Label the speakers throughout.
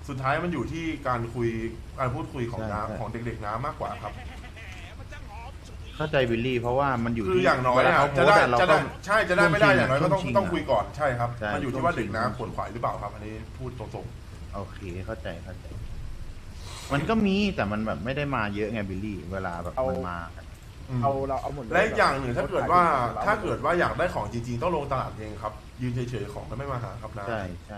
Speaker 1: สุดท้ายมันอยู่ที่การพูดคุยของน้าของเด็กๆน้ามากกว่าครับ
Speaker 2: เข้าใจบิลลี่เพราะว่ามันอยู่
Speaker 1: คือ
Speaker 2: ที่
Speaker 1: อย่างน้อย
Speaker 2: เวลา
Speaker 1: อะ
Speaker 2: เขาโพ
Speaker 1: จะ
Speaker 2: ส
Speaker 1: ได้
Speaker 2: ต์อะเรา
Speaker 1: จะ
Speaker 2: ต้
Speaker 1: ได้
Speaker 2: อง
Speaker 1: ใช่จะได้ไม่ได้อย่างน้อยก็ต้อง
Speaker 2: ช่วงชิงอะ
Speaker 1: ต้องคุยก่อนใช่ครับ
Speaker 2: ใช่
Speaker 1: มันอยู่ที่ว่า
Speaker 2: ช่วงชิง
Speaker 1: เด็กน้าขวนขวายหรือเปล่าครับ อันนี้พูดตรง
Speaker 2: โอเคเข้าใจมันก็มีแต่มันแบบไม่ได้มาเยอะไงบิลลี่ เวลาแบบมันมา
Speaker 1: ๆ
Speaker 3: เอาหมดเลย
Speaker 1: และอีกอย่างหนึ่งถ้าเกิดว่าอยากได้ของจริงๆต้องลงตลาดเองครับยืนเฉยๆของมันไม่มาหาครับนะ
Speaker 2: ใช่ใช่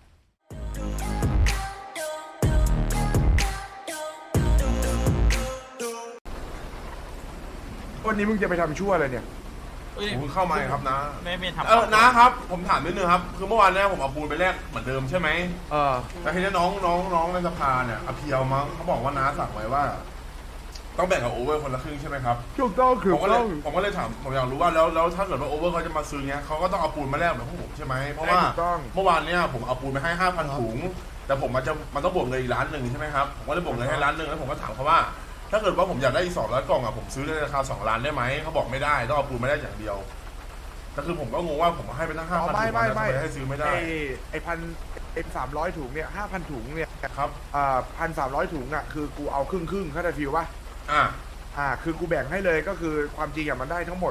Speaker 3: วันนี้มึงจะไปทำชั่วอะไรเนี่ย
Speaker 1: ผมเข้ามาครับนะ
Speaker 4: ไม่ทำ
Speaker 1: นะครับผมถามนิดนึงครับคือเมื่อวานเนี้ยผมเอาปูนไปแลกเหมือนเดิมใช่ไหม
Speaker 3: เออ
Speaker 1: แต่ทีนี้น้องในสภาเนี่ยอภิเยามั้งเขาบอกว่าน้าสั่งไว้ว่า ต้องแบ่งกับโอเวอร์คนละครึ่งใช่ไหมครับ
Speaker 3: ถูกต้องคือ
Speaker 1: ผมก็เลยถามผมอยากรู้ว่าแล้วถ้าเกิดว่าโอเวอร์เขาจะมาซื้อเนี้ยเขาก็ต้องเอาปูนมาแลกแบบพวกผมใช่ไหมเพราะว่า
Speaker 3: ถูกต้อง
Speaker 1: เมื่อวานเนี้ยผมเอาปูนไปให้ 5,000 ถุงแต่ผมมันต้องบวกเงินอีก1,000,000ใช่ไหมครับผมก็เลยบวกเงินให้1,000,000แล้วผมก็ถามเขาว่า ถ้าเกิดว่าผมอยากได้อีก200 กล่องอ่ะผมซื้อในราคา2 ล้านได้ไหมเขาบอกไม่ได้ต้องเอาปูนมาได้อย่างเดียวแต่คือผมก็งงว่าผมให้ไปตั้ง 5,000 ถุง
Speaker 3: ไม่
Speaker 1: ทำไมให้ซื้อไม่ได้
Speaker 3: ไอ้1,300 ถุงเนี่ย5,000 ถุงเนี่ย
Speaker 1: ครับ
Speaker 3: 1,300 ถุงอ่ะคือกูเอาครึ่งเข้าใจฟิลป่ะ คือกูแบ่งให้เลยก็คือความจริงอ่ะมันได้ทั้งหมด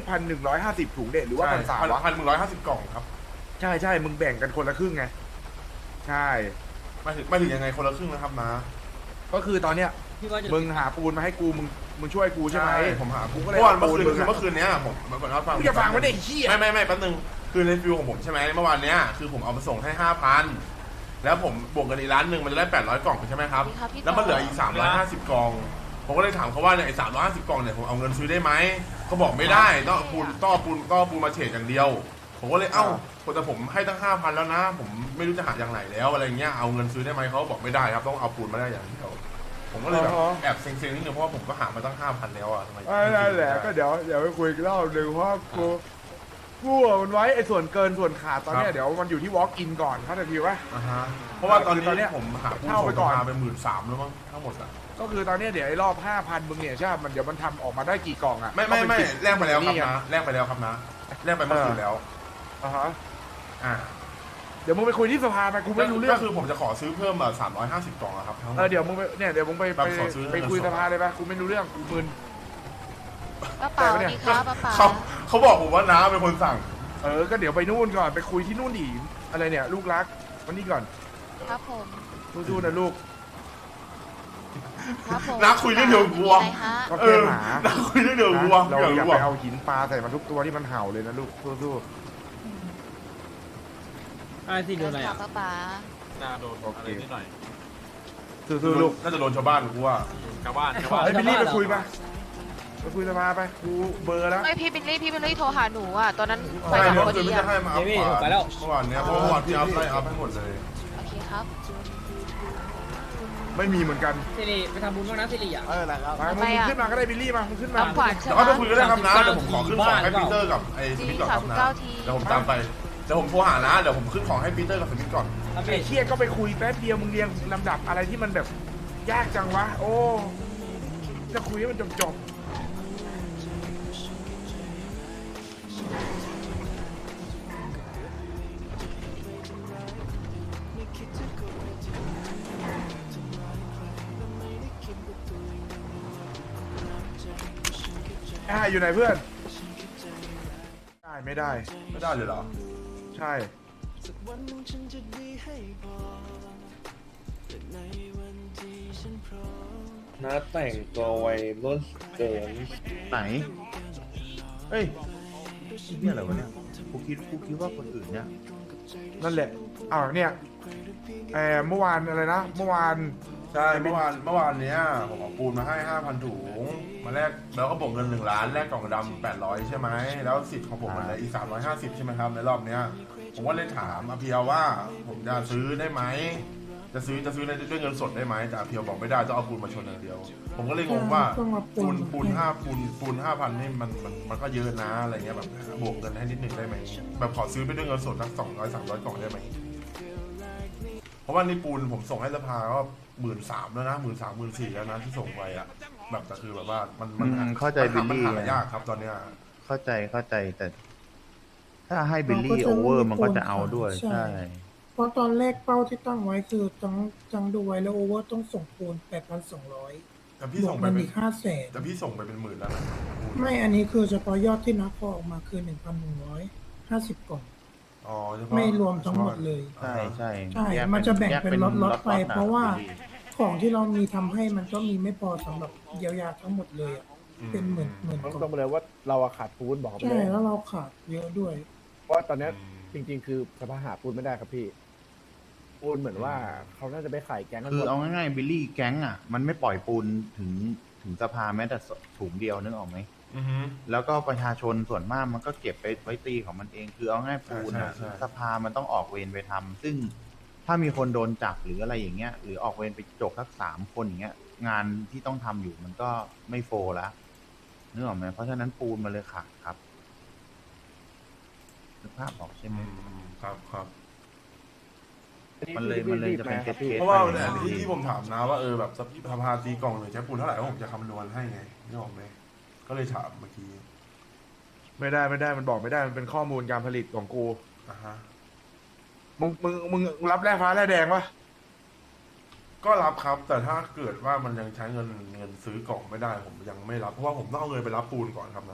Speaker 3: 1,150 ถุงเด็ดหรือว่า1,300 วะ
Speaker 1: 1,150 กล่องครับ
Speaker 3: ใช่มึงแบ่งกันคนละครึ่งไงใช่
Speaker 1: ไม่ถึงยังไงคนละครึ่งนะครับนะ
Speaker 3: ก็คือตอนเนี้ยมึงหาปูนมาให้กูมึงช่วยกูใช่ไหม
Speaker 1: ผมหา
Speaker 3: กูก็เลย
Speaker 1: เมื่อวาน
Speaker 3: เอาปูนมึง
Speaker 1: เมื่อคืนเนี้ยผมรับฟัง
Speaker 3: มึงจะฟังไม่ได้ไอ้เหี้ย
Speaker 1: ไม่แป๊บนึงคือในฟิวของผมใช่ไหมเมื่อวานเนี้ยคือผมเอามาส่งให้ 5,000 แล้วผมบวกกันอีก1,000,000มันจะได้800 กล่องใช่ไหมครับแล้วมันเหลืออีก350 กล่องผมก็เลยถามเขาว่าเนี่ยไอ้350 กล่องเนี่ยผมเอาเงินซื้อได้ไหมเขาบอกไม่ได้ต้องเอาปูนมาเฉดอย่างเดียวผมก็เลยแต่ผมให้ตั้ง 5,000 แล้วนะผมไม่รู้จะหาอย่างไหนแล้วอะไรเงี้ยเอาเงินซื้อได้ไหมเขาบอกไม่ได้ครับต้องเอาปูนมาได้อย่างเดียวผมก็เลยแบบแอบเซ็งๆนิดนึงเพราะว่าผมก็หามาตั้ง 5,000 แล้วอ่ะทำไม
Speaker 3: นั่นแหละก็เดี๋ยวไปคุยกันรอบหนึ่งเพราะกูมันไว้ไอ้ส่วนเกินส่วนขาดตอนเนี้ยเดี๋ยวมันอยู่ที่ walk in ก่อนเข้าใจพี่วะ
Speaker 1: เพราะว่าตอนนี้
Speaker 3: ผม
Speaker 1: หาผู้
Speaker 3: เข้า
Speaker 1: ส่ง
Speaker 3: ไปก่อน
Speaker 1: มาเป็น13,000แล้วมั้งทั้งหมดอ่ะ
Speaker 3: ก็คือตอนเนี้ยเดี๋ยวไอ้รอบ 5,000 มึงเนี่ยใช่ป่ะมันเดี๋ยวมันทำออกมาได้กี่กล่องอ่ะ
Speaker 1: ไม่แลกไปแล้วครับนะแลกไปแล้วครับนะแลกไปเมื่อคืนแล้ว อ่า
Speaker 3: เดี๋ยวมึงไปคุยที่สภาไปกูไม่รู้เรื่อง
Speaker 1: ก็คือผมจะขอซื้อเพิ่ม350 กล่องอะครับทั้งหมด
Speaker 3: เดี๋ยวมึงไป
Speaker 1: แบบขอซื้อ
Speaker 3: ไปคุยสภาเลยป่ะกูไม่รู้เรื่องกูมึน
Speaker 5: ป้าป๋าสวัสดีครับป้าป๋า
Speaker 1: เขาบอกผมว่าน้าเป็นคนสั่ง
Speaker 3: ก็เดี๋ยวไปนู่นก่อนไปคุยที่นู่นดิอะไรเนี่ยลูกรักวันนี้ก่อน
Speaker 5: ครับผม
Speaker 3: สู้ๆนะลูก
Speaker 5: ครับผม
Speaker 1: น้าคุยเรื่องเดียวกับวัว
Speaker 5: มีอะไรฮะ
Speaker 3: ก็แค่หมา
Speaker 1: น้าคุยเรื่องเดียวกับวัว
Speaker 3: เรา
Speaker 1: เดี๋ยว
Speaker 3: อย่า
Speaker 1: วัว
Speaker 3: ไปเอาหินปลาใส่มันทุกตัวที่มันเห่าเลยนะลูกสู้
Speaker 4: ที่โดนอะไร
Speaker 5: ครั
Speaker 4: อ่ะ
Speaker 5: บป้าป๋า
Speaker 4: น่าโดนอะไรนิดหน่อย
Speaker 3: ๆสู้ๆลูก
Speaker 1: น่าจะโดนชาวบ้านกูว่า
Speaker 4: ชาวบ้าน
Speaker 3: ไอ้บิลลี่ไปคุยมาไปคุยสภาไปกูเบอร์แล้ว
Speaker 5: ไม่พี่บิลลี่โทรหาหนูอ่ะตอนนั้นไป
Speaker 1: ใช่
Speaker 5: กับ
Speaker 1: เมื่อ
Speaker 5: พอ
Speaker 1: คืน
Speaker 5: ดี
Speaker 1: ไม่จะ
Speaker 5: อ่ะ
Speaker 1: ให้มาอัพขวาเมื่อวานเนี้ยเพราะเมื่อวานพี่อัพไล่อัพให้หมดเลย
Speaker 5: โอเคครับ
Speaker 3: ไม่มีเหมือนกัน
Speaker 6: สิริไปทำบุญบ้างนะสิริอ่ะ
Speaker 3: มามึงขึ้นมาก็ได้บิลลี่มามึงขึ้นมา
Speaker 5: รับขวัญใช่
Speaker 1: เดี๋ยว
Speaker 5: ไหม
Speaker 1: เขาไปคุยกันได้ครับนะเดี๋ยวผมขอขึ้นของให้ปีเตอร์กับไอ้ส
Speaker 5: จริ
Speaker 1: มิ
Speaker 5: ง
Speaker 1: ธก่อนครับนะ
Speaker 5: 39 ที
Speaker 1: เดี๋ยวผมตามไปเดี๋ยวผมโทรหานะเดี๋ยวผมขึ้นของให้ปีเตอร์กับสมิธก่อน
Speaker 6: ทำ
Speaker 3: ไอ้
Speaker 6: เอง
Speaker 3: เชี่ยก็ไปคุยแป๊บเดียวมึงเรียงลำดับอะไรที่มันแบบยากจังวะโอ้จะคุยให้มันจบอยู่ไหนเพื่อนได้ไม่ได้
Speaker 1: ไม่ได้เลยเหรอ
Speaker 3: ใช่
Speaker 7: น้าแต่งตัววัยรุ่นเกิน
Speaker 2: ไหนเฮ้ยนี่อะไรวะเนี่ยกูคิดว่าคนอื่นเนี่ย
Speaker 3: นั่นแหละเนี่ยเมื่อวานอะไรนะเมื่อวาน
Speaker 1: ใช่เมื่อวานเนี้ยผมเอาปูนมาให้ 5,000 ถุงมาแลกแล้วก็บวกเงิน1 ล้านแลกกล่องดำ800ใช่ไหมแล้วสิทธิ์ของผมมันเหลืออีก350ใช่ไหมครับในรอบเนี้ยผมก็เลยถามอาเพียวว่าผมจะซื้อได้ไหมจะซื้อด้วยเงินสดได้ไหมแต่อาเพียวบอกไม่ได้ต้องเอาปูนมาชนอย่างเดียว ผมก็เลยงงว่าปูน5,000นี่มันก็เยอะนะอะไรเงี้ยแบบบวกเงินให้นิดหนึ่งได้ไหมแบบขอซื้อไปด้วยเงินสดสัก200-300 กล่องได้ไหมเพราะว่านี่ปูนผมส่งให้สภาก็13,000แล้วนะ13,000-14,000แล้วนะที่ส่งไปอ่ะแบบแต่คือแบบว่ามัน
Speaker 2: เข้าใจบิลลี่
Speaker 1: มันหายากครับตอนเนี้ย
Speaker 2: เข้าใจแต่ ถ้าให้บิลลี่โอเวอร์มันก็จะเอาด้วยใช่
Speaker 8: เพรา
Speaker 6: ราะตอนแรกเป้าที่ตั้งไว้คือจังดูไว้แล้วโอเวอร์ต้องส่งปูน 8,200
Speaker 1: แต่พี่
Speaker 6: บว
Speaker 1: ส่
Speaker 6: ก
Speaker 1: งไป
Speaker 6: มัน
Speaker 1: เป็น
Speaker 6: อีก
Speaker 1: แต่พี่ส่งไปเป็นหมื่นแล้วนะ
Speaker 6: 500,000ไม่อันนี้คือเฉพาะยอดที่นับพอออกมาคือ 1,150 กล่อง
Speaker 1: อ๋อเฉพาะ
Speaker 6: ไม่รวมทั้งหมดเลย
Speaker 2: ใช่ใช่
Speaker 6: ใช่
Speaker 2: ยก
Speaker 6: มันจะแบ่งเป็นล็อตๆไป
Speaker 2: ๆน
Speaker 6: เพราะว่า
Speaker 2: บิลลี่
Speaker 6: ของที่เรามีทำให้มันก็มีไม่พอสำหรับเยียวยาทั้งหมดเลยอะเป็นหมื่นก
Speaker 8: ต้อง
Speaker 6: ล่
Speaker 8: ตร
Speaker 6: อง ง
Speaker 8: ไปเลยว่าเราอะขาดปูนบอกเขาไป
Speaker 6: ใช่
Speaker 8: เลย
Speaker 6: แล้วเราขาดเยอะด้วย
Speaker 8: เพราะว่าตอนเนี้ยจริง ๆ คือสภาหาปูนไม่ได้ครับพี่ปูนเหมือนว่าเขาน่าจะไปขายแก๊งกันห
Speaker 2: คื
Speaker 8: ม
Speaker 2: อ
Speaker 8: ด
Speaker 2: เอาง่ายๆบิลลี่แก๊งอ่ะมันไม่ปล่อยปูนถึงสภาแม้แต่ถุงเดียวนึกออกไหม
Speaker 1: อือฮึ
Speaker 2: แล้วก็ประชาชนส่วนมากมันก็เก็บไปไว้ตีของมันเอง คือเอาง่ายปูนอ่ะ
Speaker 1: ใช่
Speaker 2: สภามันต้องออกเวรไปทำซึ่งถ้ามีคนโดนจับหรืออะไรอย่างเงี้ย หรือออกเวรไปจกสัก3 คนอย่างเงี้ย งานที่ต้องทำอยู่มันก็ไม่โฟร์แล้วนึกออกไหมเพราะฉะนั้นปูนมันเลยขาดครับนึกภาพออกใช่ไหม
Speaker 1: ครับครับ
Speaker 2: มันเลยจะเป็นเคส
Speaker 1: เพราะว่า
Speaker 2: ไป
Speaker 1: เนี่ย
Speaker 2: อย่ง
Speaker 1: ที่ผมถามนะว่าแบบสภาตีกล่องหรือใช้ปูนเท่าไหร่ผมจะคำนวณให้ไงนี่ออกไหมก็เลยถามเมื่อกี้
Speaker 3: ไม่ได้มันบอกไม่ได้มันเป็นข้อมูลการผลิตของกู
Speaker 1: อ่ะฮะ
Speaker 3: มึงรับแร่ฟ้าแร่แดงปะ
Speaker 1: ก็รับครับ แต่ถ้าเกิดว่ามันยังใช้เงินซื้อกล่องไม่ได้ผมยังไม่รับเพราะว่าผมต้องเอาเงินไปรับปูนก่อนครับนะ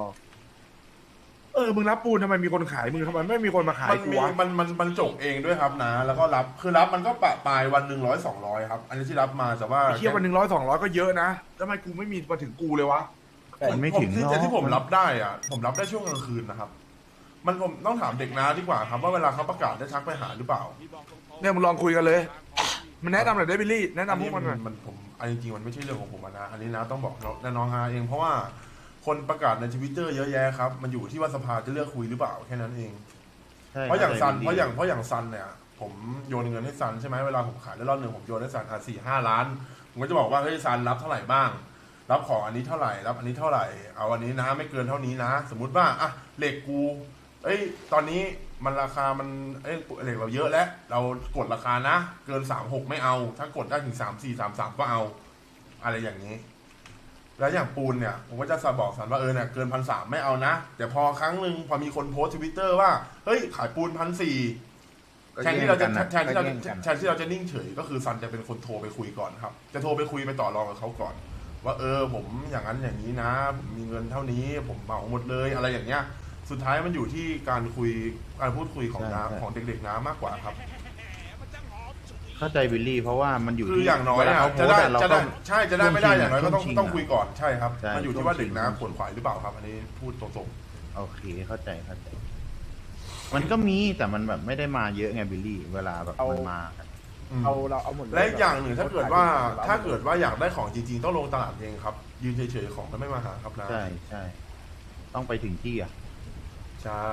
Speaker 3: มึงรับปูนทำไมมีคนขายมึงทำไมไม่มีคนมาขาย
Speaker 1: มัน
Speaker 3: กู
Speaker 1: มี
Speaker 3: วะ
Speaker 1: มันจกเองด้วยครับนะ แล้วก็รับคือรับมันก็ปะปลายวัน100 200ครับ อันนี้ที่รับมาแต่ว่า
Speaker 3: ไอ้เทียบวัน100 200ก็เยอะนะทำไมกูไม่มีมาถึงกูเลยวะ
Speaker 2: มันไม่ถึง
Speaker 1: ที่ผม
Speaker 2: เนาะ
Speaker 1: รับได้อ่ะผมรับได้ช่วงกลางคืนนะครับ มันผมต้องถามเด็กน้าดีกว่าครับว่าเวลาเขาประกาศได้ทักไปหาหรือเปล่า
Speaker 3: เนี่ยมึงลองคุยกันเลย มันแนะนำหน่อยได้บิลลี่แนะนำพวกมันหน่อย
Speaker 1: มันผมอันจริงๆมันไม่ใช่เรื่องของผมอะนะอันนี้นะต้องบอกน้องฮาเองเพราะว่าคนประกาศในทวิตเตอร์เยอะแยะครับมันอยู่ที่ว่าสภาจะเลือกคุยหรือเปล่าแค่นั้นเอง
Speaker 2: ใช่
Speaker 1: เพราะอย่างซัน
Speaker 2: ข้ใจ
Speaker 1: เพราะอย่างซันเนี่ยผมโยนเงินให้ซันใช่ไหมเวลาผมขายได้รอบหนึ่งผมโยนให้ซัน4-5 ล้านผมก็จะบอกว่าเฮ้ยซันรับเท่าไหร่บ้าง รับของอันนี้เท่าไหร่รับอันนี้เท่าไหร่เอาอันนี้นะไม่เกินเท่านี้นะ สมมุติว่าอ่ะเหล็กกูตอนนี้มันราคามันเหล็กเราเยอะแล้วเรากดราคานะ เกิน36ไม่เอา ถ้ากดได้ถึง34-33ก็เอา อะไรอย่างนี้ แล้วอย่างปูนเนี่ยผมก็จะบอกสันว่าเนี่ยเกิน1,300ไม่เอานะแต่พอครั้งหนึ่งพอมีคนโพสทวิตเตอร์ว่าเฮ้ยขายปูน1,400แทนที่เราจะนิ่งเฉยก็คือซันจะเป็นคนโทรไปคุยก่อนครับจะโทรไปคุยไปต่อรองกับเขาก่อน ว่าผมอย่างนั้นอย่างนี้นะผมมีเงินเท่านี้ผมเหมาหมดเลยอะไรอย่างเงี้ยสุดท้ายมันอยู่ที่การพูดคุยของน้าของเด็กๆน้ามากกว่าครับ
Speaker 2: เข้าใจบิลลี่เพราะว่ามันอยู่
Speaker 1: คือ
Speaker 2: ที่
Speaker 1: อย่างน้อย
Speaker 2: เวลา
Speaker 1: อะ
Speaker 2: เขาโพ
Speaker 1: จะ
Speaker 2: ส
Speaker 1: ได้
Speaker 2: ต์อะเรา
Speaker 1: จะ
Speaker 2: ต้
Speaker 1: ได้
Speaker 2: อง
Speaker 1: ใช่จะได้ไม่ได้อย่างน้อยก็ต้อง
Speaker 2: ช่วงชิง
Speaker 1: ต้องคุยก่อนใช่ครับ
Speaker 2: ใช่
Speaker 1: มันอยู่ที่ว่า
Speaker 2: ช่วงชิง
Speaker 1: เด็กน้าขวนขวายหรือเปล่าครับ อันนี้พูดตรง
Speaker 2: โอเคเข้าใจมันก็มีแต่มันแบบไม่ได้มาเยอะไงบิลลี่ เวลาแบบมันมากัน
Speaker 1: ๆ
Speaker 8: เอาหมดเลย
Speaker 1: และอีกอย่างหนึ่งถ้าเกิดว่าอยากได้ของจริงๆต้องลงตลาดเองครับ ยืนเฉยๆของมันไม่มาหาครับนะ
Speaker 2: ใช่ใช่ต้องไปถึงที่อ่ะ
Speaker 1: ใช่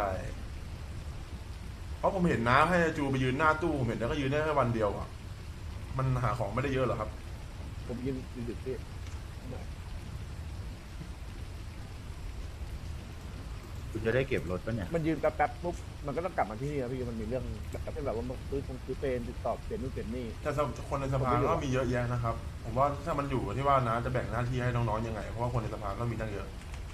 Speaker 1: เพราะผมเห็นน้าให้จูไปยืนหน้าตู้ผมเห็นแล้วก็ยืนได้แค่วันเดียวอ่ะมันหาของไม่ได้เยอะหรอครับ
Speaker 8: ผมยืนดึกๆพี่
Speaker 2: คุณจะได้เก็บรถปะเนี่ย
Speaker 8: มันยืนแป๊บๆปุ๊บมันก็ต้องกลับมาที่นี่ครับพี่มันมีเรื่องแบบว่าซื้อเป็นติดต่อเปลี่ยนนู่นเปลี่ยนนี่
Speaker 1: แต่คนในสภาก็มีเยอะแยะนะครับ ผมว่าถ้ามันอยู่ที่ว่านะจะแบ่งหน้าที่ให้น้องๆยังไงเพราะว่าคนในสภาก็มีตั้งเยอะ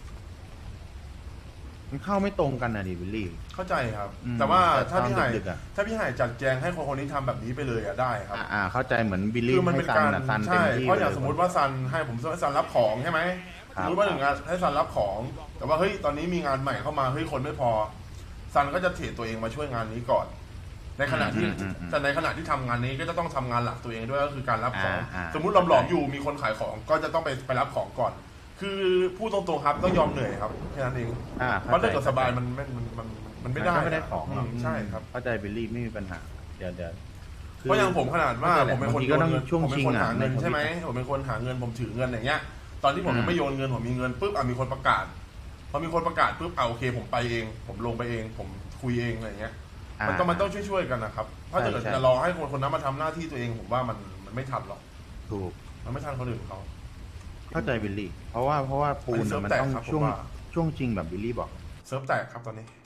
Speaker 2: มันเข้าไม่ตรงกันนะดิบิลลี่
Speaker 1: เข้าใจครับ
Speaker 2: อืม
Speaker 1: แต่ว่า
Speaker 2: แต่
Speaker 1: ถ้าพี่ไห่
Speaker 2: ตอนดึกๆอะ
Speaker 1: ถ้าพี่ไห่จัดแจงให้คนนี้ทำแบบนี้ไปเลยอะได้ครับ
Speaker 2: เข้าใจเหมือนบิลลี่
Speaker 1: คือมัน
Speaker 2: ให้
Speaker 1: เป็น
Speaker 2: ซัน
Speaker 1: การ
Speaker 2: นะซันเต็
Speaker 1: ใช่
Speaker 2: มที่
Speaker 1: เพราะอย่าง
Speaker 2: ล
Speaker 1: สมมติว่าซันให้ผมให้ซันรับของใช่ไหม
Speaker 2: ครั
Speaker 1: ส
Speaker 2: บ
Speaker 1: มมติว่าหนึ่งงานให้ซันรับของ แต่ว่าเฮ้ยตอนนี้มีงานใหม่เข้ามาเฮ้ยคนไม่พอซันก็จะเทรดตัวเองมาช่วยงานนี้ก่อน ในขณะที่แต่ในขณะที่ทำงานนี้ก็จะต้องทำงานหลักตัวเองด้วยก็คือการรับของ สมมุติหลอมๆอยู่มีคนขายของก็จะต้องไปรับของก่อน คือพูดตรงๆครับต้องยอมเหนื่อยครับแค่นั้นเองเพราะถ้าเกิดสบายมันไม่ได้
Speaker 2: ไม่ได้ของหรอก
Speaker 1: ใช่ครับ
Speaker 2: เข้าใจบิลลี่ไม่มีปัญหาเดี๋ยว
Speaker 1: เพราะอย่างผมขนาดว่าผมเป็นคน
Speaker 2: บางที
Speaker 1: โย
Speaker 2: ก็
Speaker 1: น
Speaker 2: ต้อง
Speaker 1: เงิน
Speaker 2: ช่วง
Speaker 1: ผมเป็นคน
Speaker 2: ชิงอะ
Speaker 1: หาเงิน
Speaker 2: ใน
Speaker 1: ใช่ไหม
Speaker 2: ทวิต
Speaker 1: ผมเป็นคนหาเงินผมถือเงินอย่างเงี้ย ตอนที่ผมยังไม่โยนเงินผมมีเงินปุ๊บมีคนประกาศพอมีคนประกาศปุ๊บโอเคผมไปเอง ผมลงไปเอง ผมคุยเองอะไรเงี้ยมันต้องช่วยกันนะครับถ้าเกิดจะรอให้คนนั้นมาทำหน้าที่ตัวเองผมว่ามันไม่ทันหรอก
Speaker 2: ถูก
Speaker 1: มันไม่ทันคนอื่นเขา
Speaker 2: เข้าใจบิลลี่ เพราะว่าปูน
Speaker 1: อันนี้
Speaker 2: มัน
Speaker 1: เซิร์ฟแตก
Speaker 2: ต้อง
Speaker 1: ครับผม
Speaker 2: ช่วง
Speaker 1: ว่า
Speaker 2: ช่วงจริงแบบบิลลี่บอก
Speaker 1: เซิร์ฟแตกครับตอนนี้